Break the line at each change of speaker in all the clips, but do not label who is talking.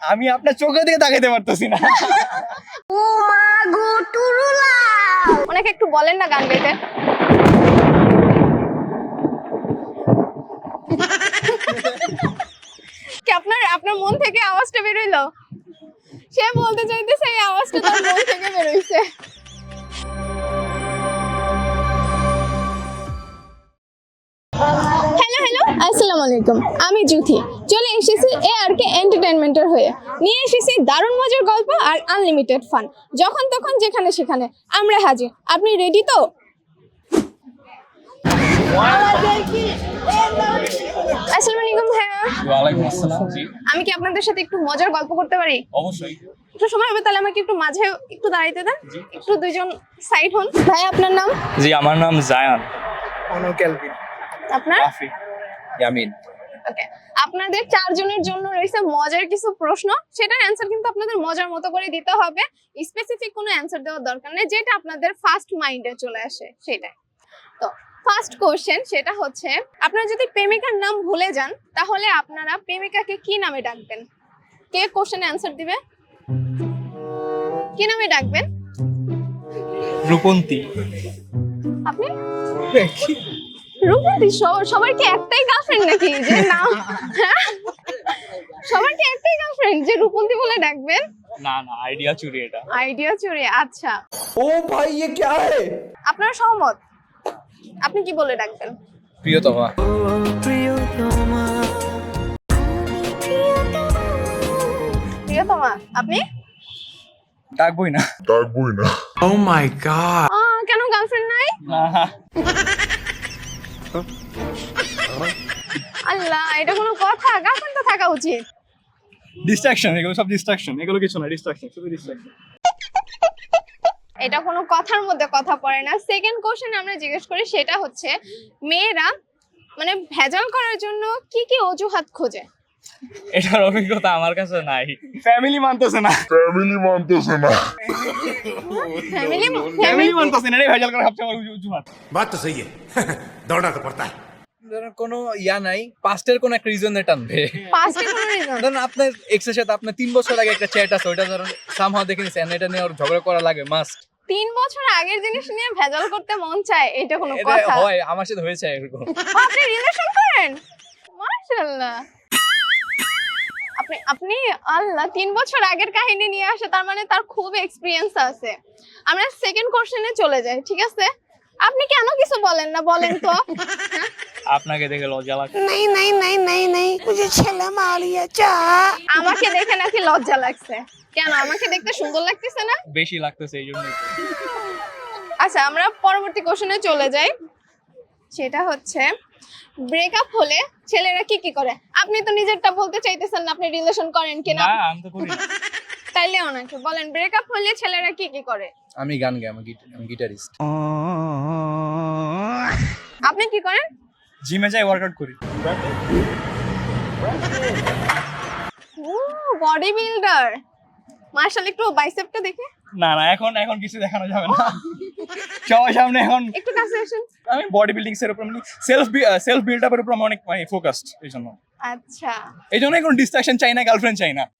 আমি আপনার চোখের দিকে তাকাইতে পারতেছি না।
ওনাকে একটু বলেন না গান গাইতে। কি আপনার মন থেকে আওয়াজটা বের হইলো? সে বলতে চাইতেছে এই আওয়াজটা তার মন থেকে বের হইছে। হ্যালো আসসালামু আলাইকুম, আমি জুথি। চলে এসেছি ARK এন্টারটেইনমেন্টের হয়ে। নিয়ে এসেছি দারুণ মজার গল্প আর আনলিমিটেড ফান। যখন তখন যেখানে সেখানে আমরা হাজির। আপনি রেডি তো? আসসালামু আলাইকুম ভাইয়া।
ওয়ালাইকুম আসসালাম। জি
আমি কি আপনাদের সাথে একটু মজার গল্প করতে পারি?
অবশ্যই।
একটু সময় হবে, তাহলে আমাকে একটু মাঝে একটু দাঁড়াইতে দেন। একটু দুইজন সাইড হন। ভাই আপনার নাম?
জি আমার নাম জায়ান।
আপনার?
রাফি। ইয়ামিন।
ওকে, আপনাদের চারজনের জন্য রয়েছে মজার কিছু প্রশ্ন। সেটার অ্যানসার কিন্তু আপনাদের মজার মতো করে দিতে হবে। স্পেসিফিক কোনো অ্যানসার দেওয়ার দরকার নেই, যেটা আপনাদের ফার্স্ট মাইন্ডে চলে আসে সেটাই। তো ফার্স্ট কোশ্চেন সেটা হচ্ছে, আপনারা যদি প্রেমিকার নাম ভুলে যান তাহলে আপনারা প্রেমিকাকে কি নামে ডাকবেন? কে কোশ্চেনে অ্যানসার দিবে? কি নামে ডাকবেন?
রূপন্তী।
আপনি? রূপন্তী? সবার কি একটাই গার্লফ্রেন্ড নাকি যে নাম? সবার কি একটাই গার্লফ্রেন্ড যে রূপন্তী বলে ডাকবেন?
না না, আইডিয়া চুরি এটা।
আইডিয়া চুরি, আচ্ছা।
ओ भाई ये क्या है?
আপনারা সহমত? আপনি কি বলে ডাকবেন?
প্রিয়তমা।
প্রিয়তমা। আপনি?
ডাকবই না।
Oh my god!
কেন গার্লফ্রেন্ড নাই? আল্লাহ, এটা কোনো কথা? গার্লফ্রেন্ড তো থাকা উচিত।
ডিস্ট্রাকশন, এগুলো সব ডিস্ট্রাকশন। এগুলো কিছু না, ডিস্ট্রাকশন, শুধু ডিস্ট্রাকশন।
এটা কোনো কথার মধ্যে কথা পড়ে না। সেকেন্ড কোশ্চেন আমরা জিজ্ঞেস করি, সেটা হচ্ছে মেয়েরা মানে ভেজাল করার জন্য কি কি অজুহাত খোঁজে?
এটার অভিজ্ঞতা আমার কাছে নাই। ফ্যামিলি মানতেছে না।
ফ্যামিলি
ফ্যামিলি মানতেছে না, এটাই ভেজাল করা সবচেয়ে বড় অজুহাত।
बात तो सही है दौड़ना तो पड़ता है।
ধরেন কোনো ইয়া নাই, পাস্টের কোনো একটা রিজনে টানবে।
পাঁচটা কোনো রিজন।
ধরেন আপনার এক্সের সাথে আপনার 3 বছর আগে একটা চ্যাট আছে, ওইটা ধরেন সামহাও দেখে নিছেন, এটা নিয়ে ওর ঝগড়া করা লাগে মাস্ট।
3 বছর আগের জিনিস নিয়ে ভেজাল করতে মন চায়, এটা কোনো
এটা
কথা?
হয়, আমার সাথে হয়েছে এরকম।
আপনি রিলেশন করেন? মাশাআল্লাহ। আপনি আল্লাহ 3 বছর আগের কাহিনী নিয়ে আসে, তার মানে তার খুব এক্সপেরিয়েন্স আছে। আমরা সেকেন্ড কোশ্চেনে চলে যাই, ঠিক আছে? আপনি কেন কিছু বলেন না, বলেন তো?
আপনাকে দেখে লজ্জা লাগে।
আমাকে দেখে নাকি লজ্জা লাগছে? কেন, আমাকে দেখতে সুন্দর লাগতেছে না?
বেশি লাগতেছে এই জন্যই।
আচ্ছা, আমরা পরবর্তী কোশ্চেনে চলে যাই। সেটা হচ্ছে, ব্রেকআপ হলে ছেলেরা কি কি করে? আপনি তো নিজেরটা বলতে চাইতেছেন না, আপনি রিলেশন করেন কিনা?
না আমি তো করি না।
তাইলে ওনাকে বলেন, ব্রেকআপ হলে ছেলেরা কি কি করে?
আমি গান গাই, আমি গিটারিস্ট।
আপনি কি করেন?
জিমে যাই, ওয়ার্কআউট করি।
ও বডি বিল্ডার, মাশাআল্লাহ। একটু বাইসেপটা দেখে।
না না, এখন কিছু দেখানো যাবে না সবার সামনে। এখন
একটু কাছে আসুন।
আমি বডি বিল্ডিং এর উপর, মানে সেলফ বিল্ড আপের উপর অনেক ফোকাসড। এই জন্য কোনো ডিস্ট্রাকশন চাই না, গার্লফ্রেন্ড চাই না।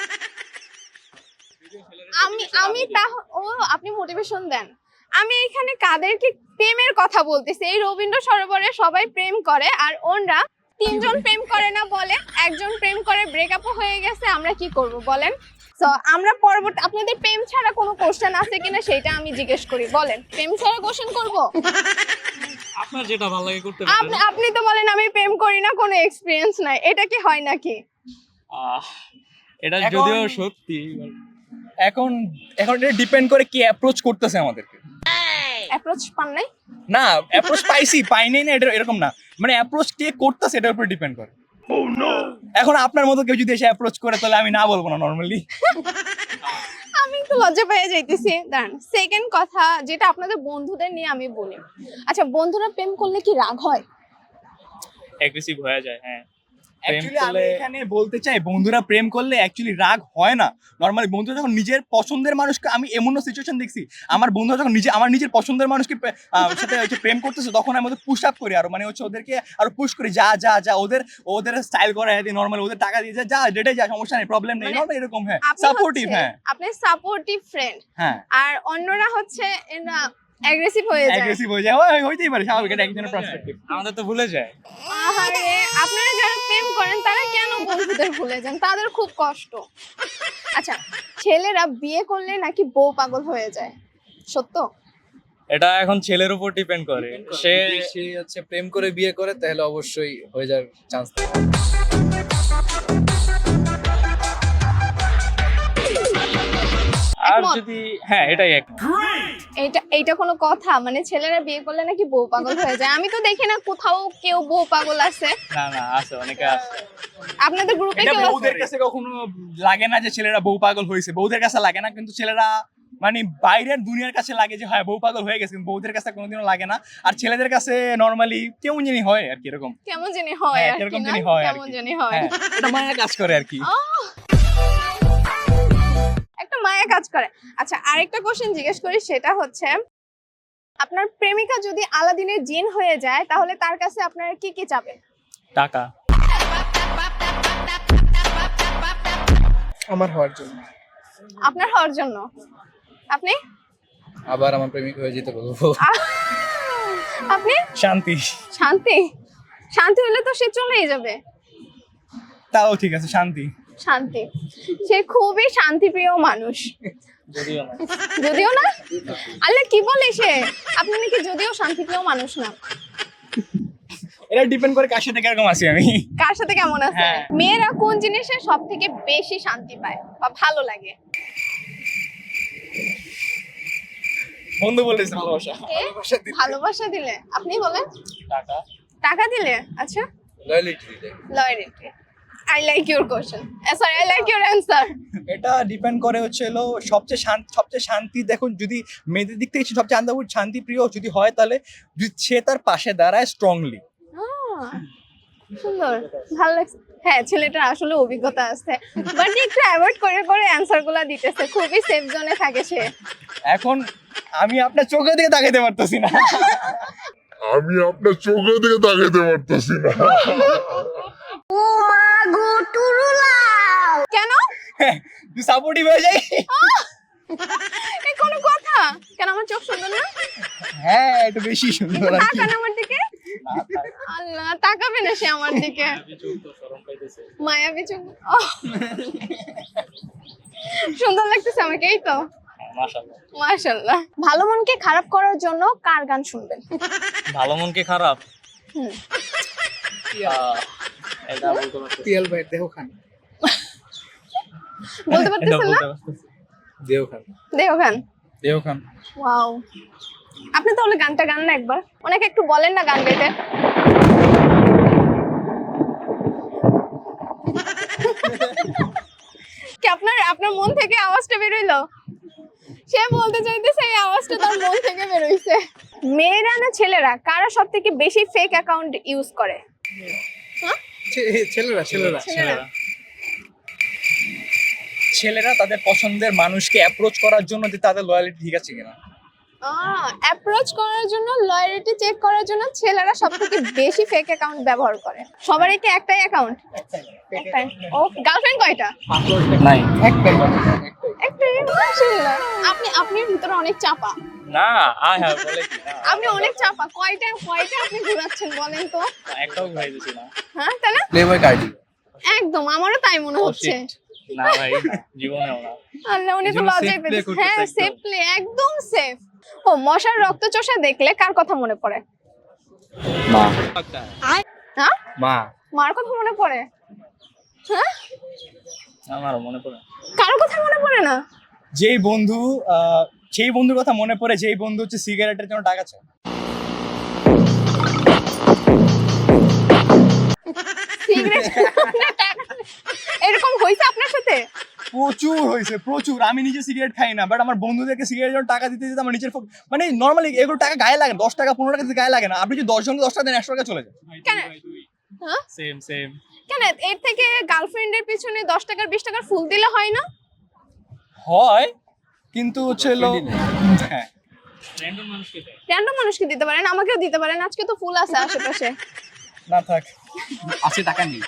আপনি মোটিভেশন দেন। আমি এখানে কাদেরকে প্রেমের কথা বলতেছি? এই রবীন্দ্র সরোবরে সবাই প্রেম করে, আর ওনরা 3 জন প্রেম করে না বলে, একজন প্রেম করে, ব্রেকআপও হয়ে গেছে। আমরা কি করব বলেন? তো আমরা পরবর্তী, আপনাদের প্রেম ছাড়া কোনো কোশ্চেন আছে কিনা সেটা আমি জিজ্ঞেস করি। বলেন, প্রেম ছাড়া কোশ্চেন করব?
আপনার যেটা ভালো লাগে করতে পারেন।
আপনি তো বলেন আমি প্রেম করি না, কোনো এক্সপেরিয়েন্স নাই। এটা কি হয় নাকি?
এটা যদিও সত্যি, এখন এটা ডিপেন্ড করে কি অ্যাপ্রোচ করতেছে আমাদেরকে।
অ্যাপ্রোচ পান নাই?
না, অ্যাপ্রোচ পাই নাই না, এটা এরকম না। মানে অ্যাপ্রোচ কে করতেছে এটার উপর ডিপেন্ড করে। এখন আপনার মতো কেউ যদি এসে অ্যাপ্রোচ করে, তাহলে আমি না বলবো না নরমালি।
আমি একটু লজ্জা পেয়ে যাইতেছি। দাঁড়ান, সেকেন্ড কথা যেটা আপনাদের বন্ধুদের নিয়ে আমি বলি। আচ্ছা, বন্ধুরা প্রেম করলে কি রাগ হয়?
অ্যাগ্রেসিভ হয়ে যায়, হ্যাঁ। অ্যাকচুয়ালি আমি এখানে বলতে চাই বন্ধুরা প্রেম করলে অ্যাকচুয়ালি রাগ হয় না। নরমালি বন্ধুরা যখন নিজের পছন্দের মানুষকে, আমি এমনও সিচুয়েশন দেখছি আমার বন্ধুরা যখন আমার নিজের পছন্দের মানুষকে সাথে হচ্ছে প্রেম করতেছে, তখন আমি ওদের পুশ আপ করি, আরো মানে হচ্ছে ওদেরকে আরো পুশ করি, যা যা যা ওদের স্টাইল করা দিই, নরমালি ওদের টাকা দিয়ে যা ডেটে যা, সমস্যা নেই, প্রবলেম নেই,
মানে
নরমালি এরকম। হ্যাঁ,
আপনি
সাপোর্টিভ।
হচ্ছে-
হ্যাঁ
আপনি সাপোর্টিভ ফ্রেন্ড,
হ্যাঁ,
আর অন্যরা হচ্ছে অ্যাগ্রেসিভ হয়ে যায়।
অ্যাগ্রেসিভ হয়ে যায়, হইতেই পারে, স্বাভাবিক, এটা একজনের পার্সপেক্টিভ।
আমাদের তো ভুলে যায়।
আহারে, আপনারা যারা প্রেম করেন তারা কেন বন্ধুদের ভুলে যান? তাদের খুব কষ্ট। আচ্ছা, ছেলেরা বিয়ে করলে নাকি বউ পাগল হয়ে যায়, সত্য?
এটা এখন ছেলের উপর ডিপেন্ড করে, সে
সে হচ্ছে প্রেম করে বিয়ে করে তাহলে অবশ্যই হয়ে যাওয়ার চান্স থাকে।
আর
একমত।
যদি হ্যাঁ এটাই এক
এইটা কোনো কথা? মানে ছেলেরা বিয়ে করলে নাকি বউ পাগল হয়ে যায়? আমি তো দেখি না কোথাও কেউ বউ পাগল আছে।
না না আছে, অনেকে আছে।
আপনাদের গ্রুপে
এটা
কেউ আছে?
বউদের কাছে কখনো লাগে না যে ছেলেরা বউ পাগল হয়েছে, বউদের কাছে লাগে না, কিন্তু ছেলেরা মানে বাইরের দুনিয়ার কাছে লাগে যে হ্যাঁ বউ পাগল হয়ে গেছে, কিন্তু বউদের কাছে কোনোদিনও লাগে না। আর ছেলেদের কাছে নরমালি কেমন জানি হয় আর কি, এরকম।
কেমন জানি হয়
হ্যাঁ,
আর কি,
কিরকম
না?
জানি হয় আর
কেমন
কি।
জানি হয়।
হ্যাঁ, এটা মায়া কাজ করে আর কি।
একটা মায়া কাজ করে। আচ্ছা, আরেকটা কোশ্চেন জিজ্ঞেস করি, সেটা হচ্ছে আপনার প্রেমিকা যদি আলাদিনের জিন হয়ে যায় তাহলে তার কাছে আপনারা কি কি চাবেন?
টাকা।
আমার হওয়ার জন্য।
আপনার হওয়ার জন্য? আপনি?
আবার আমার প্রেমিক হয়ে যেতে বলবো।
আপনি?
শান্তি।
শান্তি? শান্তি হলে তো সে চলেই যাবে।
তাও ঠিক আছে, শান্তি।
শান্তি, সে খুবই শান্তিপ্রিয় মানুষ।
যদিও না।
যদিও না? আল্লাহ কি বলে সে? আপনি নাকি যদিও শান্তিপ্রিয় মানুষ না?
এটা ডিপেন্ড করে কার সাথে কিরকম আছি আমি।
কার সাথে কেমন আছে?
হ্যাঁ।
মেয়েরা কোন জিনিসে সব থেকে বেশি শান্তি পায় বা ভালো লাগে?
বন্ধু বলেছে ভালোবাসা।
কে? ভালোবাসা দিলে? আপনি বলেন।
টাকা।
টাকা দিলে? আচ্ছা,
লয়ালিটি দিলে।
Loyalty. I like your question, sorry, I like your answer.
এটা ডিপেন্ড করে হচ্ছে হলো সবচেয়ে শান্তি, দেখুন যদি মেয়েদের দিক থেকে সবচেয়ে শান্তি প্রিয় যদি হয়, তাহলে যদি সে তার পাশে দাঁড়ায় স্ট্রংলি।
সুন্দর, ভালো লাগছে। হ্যাঁ, ছেলেটার আসলে অভিজ্ঞতা আছে, বাট একটু অ্যাভয়েড করে করে অ্যান্সার গুলা দিতেছে, খুবই সেফ জোনে থাকে সে।
এখন আমি আপনার চোখের দিকে তাকাইতে পারতেছি না।
আমি আপনার চোখের দিকে তাকাইতে পারতেছি না।
কেন?
সাপোর্টিভ হয়ে যাই।
এ কোনো কথা? কেন, আমার চোখ সুন্দর না?
হ্যাঁ, একটু বেশি সুন্দর আর কি।
তাকান আমার দিকে। আল্লাহ, তাকাবে না সে আমার দিকে? মায়াবী চোখ। ওহ। সুন্দর লাগতেছে আমাকে, এই তো।
মাশাআল্লাহ।
মাশাআল্লাহ। ভালো মনকে খারাপ করার জন্য কার গান শুনবেন?
ভালো মন কি খারাপ?
হুম।
এটা বলতে পারছি।
পিয়াল ভাই দেহ খান।
বলতে
এটা
পারতেছেন না?
বলতে পারছি।
দেহ খান।
দেহ গান।
দেহ খান।
ওয়াও, আপনি তাহলে গানটা গান না একবার, ওনাকে একটু বলেন না গান গাইতে। কি আপনার মন থেকে আওয়াজটা বেরোইলো? সে বলতে চাইতেছে এই আওয়াজটা তার মন থেকে বেরোইছে। মেয়েরা না ছেলেরা কারা সব থেকে বেশি ফেক অ্যাকাউন্ট ইউজ করে? হ্যাঁ,
ছেলেরা।
ছেলেরা।
ছেলেরা তাদের পছন্দের মানুষকে অ্যাপ্রোচ করার জন্য যে তাদের লয়ালিটি ঠিক আছে কিনা।
অ্যাপ্রোচ করার জন্য, লয়ালিটি চেক করার জন্য ছেলেরা সব থেকে বেশি ফেক অ্যাকাউন্ট ব্যবহার করে। সবারই কি একটাই অ্যাকাউন্ট? একটাই। ও, গার্লফ্রেন্ড কয়টা?
নাই।
একটাই। মাশাআল্লাহ। আপনির ভিতরে অনেক চাপা।
না হ্যাঁ বলে কি না,
আপনি অনেক চাপা। কয়টা আপনি ঘুরাচ্ছেন বলেন তো?
একটাও ঘুরাইতেছি না।
হ্যাঁ, তাই না?
Playboi Carti.
একদম, আমারও তাই মনে
Oh,
হচ্ছে।
shit. না ভাই, জীবনেও না।
আল্লাহ, উনি তো
এজন্য
লজ্জায়
safe play
পেয়েছে।
করতেছে
হ্যাঁ,
একদম।
সেফ প্লে, একদম সেফ। ও, মশার রক্ত চোষা দেখলে কার কথা মনে পড়ে?
মা।
হ্যাঁ,
মা।
মার কথা মনে পড়ে? হ্যাঁ,
আমারও মনে পড়ে।
কারো কথা মনে পড়ে না?
যেই বন্ধু সেই বন্ধুর কথা মনে পড়ে, যেই বন্ধু হচ্ছে সিগারেটের জন্য টাকা চায়।
সিগারেট এরকম হয়েছে আপনার সাথে?
প্রচুর হয়েছে, প্রচুর। আমি নিজে সিগারেট খাই না, বাট আমার বন্ধুদেরকে সিগারেটের জন্য টাকা দিতে দিতে আমার নিজের মানে নর্মালি এগুলো টাকা গায়ে লাগে, 10 টাকা 15 টাকা দিতে গায়ে লাগে না। আপনি যদি 10 জনকে 10 টাকা দেন, 100 টাকা চলে যায়।
কেন? হ্যাঁ
সেম সেম।
কেন এর থেকে গার্লফ্রেন্ডের পিছনে 10 টাকার 20 টাকার ফুল দিলে হয় না?
হয়, কিন্তু হচ্ছে হলো হ্যাঁ
র্যান্ডম মানুষকে দেয়।
র্যান্ডম মানুষকে দিতে পারেন, আমাকেও দিতে পারেন, আজকে তো ফুল আছে আশেপাশে।
না থাক।
আছে টাকা নেই।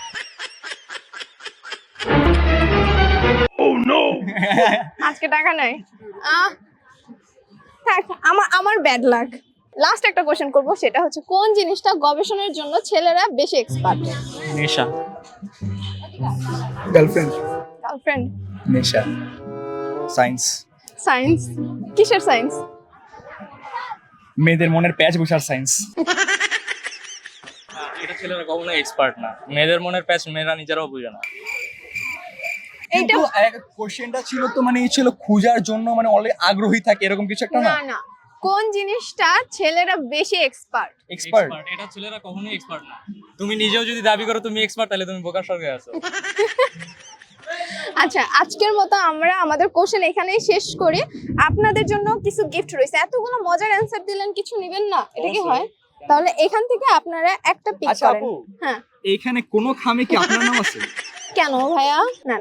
আজকে টাকা নাই। আহ থাক, আমার ব্যাড লাক। লাস্ট একটা কোশ্চেন করব, সেটা হচ্ছে কোন জিনিসটা গবেষণার জন্য ছেলেরা বেশি এক্সপার্ট?
নেশা।
গার্লফ্রেন্ড।
গার্লফ্রেন্ড।
নেশা।
সায়েন্স।
সায়েন্স? কিসের সায়েন্স?
মেয়েদের মনের প্যাচ বসার সায়েন্স।
এটা ছেলেরা কখনো এক্সপার্ট না, মেয়েদের মনের প্যাচ মেয়েরা নিজেরাও বুঝে না।
এইটা
কিন্তু কোশ্চেনটা ছিল তো মানে এই ছিল খোঁজার জন্য মানে অলরেডি আগ্রহী থাকে এরকম কিছু একটা না।
না না, কোন জিনিসটা ছেলেরা বেশি এক্সপার্ট?
এক্সপার্ট।
এটা ছেলেরা কখনোই এক্সপার্ট না। তুমি নিজেও যদি দাবি করো তুমি এক্সপার্ট, তাহলে তুমি বোকার স্বর্গে আছো।
আচ্ছা, আজকের মতো আমরা আমাদের কোশ্চেন এখানেই শেষ করি। আপনাদের জন্য কিছু গিফট রয়েছে। এতগুলো মজার অ্যানসার দিলেন, কিছু নেবেন না? এটা কি হয়? তাহলে এখান থেকে আপনারা একটা পিক
আচ্ছা
করেন।
আপু,
হ্যাঁ।
এইখানে কোনো খামে কি আপনার নাম আছে?
কেন ভাইয়া? না,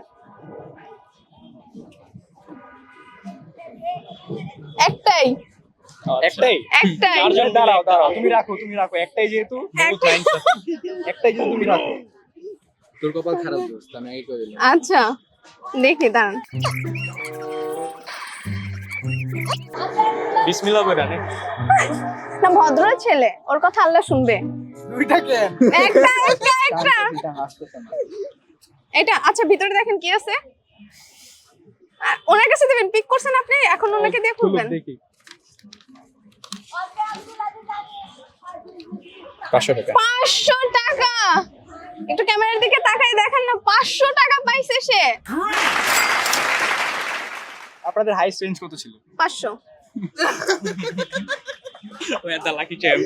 একটাই
একটাই।
একটাই
দাঁড়াও দাঁড়াও, তুমি রাখো একটাই যেহেতু একটাই যেহেতু তুমি রাখো।
তোর কপাল খারাপ দোস্ত, আমি আগে করে দিলাম।
আচ্ছা দেখি, দাঁড়ান।
বিসমিল্লাহ কইরা নে।
না, ভদ্র ছেলে, ওর কথা আল্লাহ শুনবে।
দুইটা কেন?
একটা একটা একটা
এটা হাসতেছে না।
এটা আচ্ছা, ভিতরে দেখেন কি আছে। ওনার কাছে দেবেন, পিক করছেন আপনি, এখন ওনাকে দিয়ে খুলবেন।
দেখি।
500 টাকা।
500 টাকা! একটু ক্যামেরার দিকে তাকাই দেখেন না, 500 টাকা পাইছে সে।
আপনাদের হাইস্ট রেঞ্জ কত ছিল?
500।
ও এত লাকি চ্যাম্প।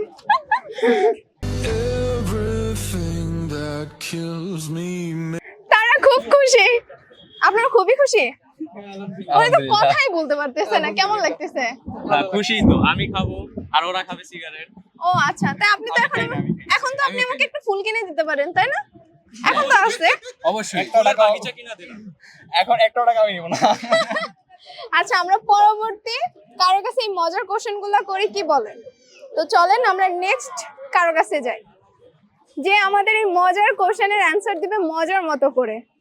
তারা খুব খুশি, আপনারা খুবই খুশি। ওরা তো কথাই বলতে পারতেছে না, কেমন লাগতেছে?
না খুশি তো, আমি খাবো আর ওরা খাবে সিগারেট।
ও আচ্ছা, তাই আপনি তো এখন তো আপনি আমাকে একটা ফুল কিনে দিতে পারেন, তাই না? এখন তো আছে।
অবশ্যই।
বাগিচা কিনা দিলাম।
এখন 1 টাকা আমি নিব না।
আচ্ছা, আমরা পরবর্তী কারো কাছে এই মজার কোশ্চেন গুলো করি, কি বলেন? তো চলেন আমরা নেক্সট কারো কাছে যাই, যে আমাদের এই মজার কোশ্চেনের অ্যান্সার দিবে মজার মতো করে।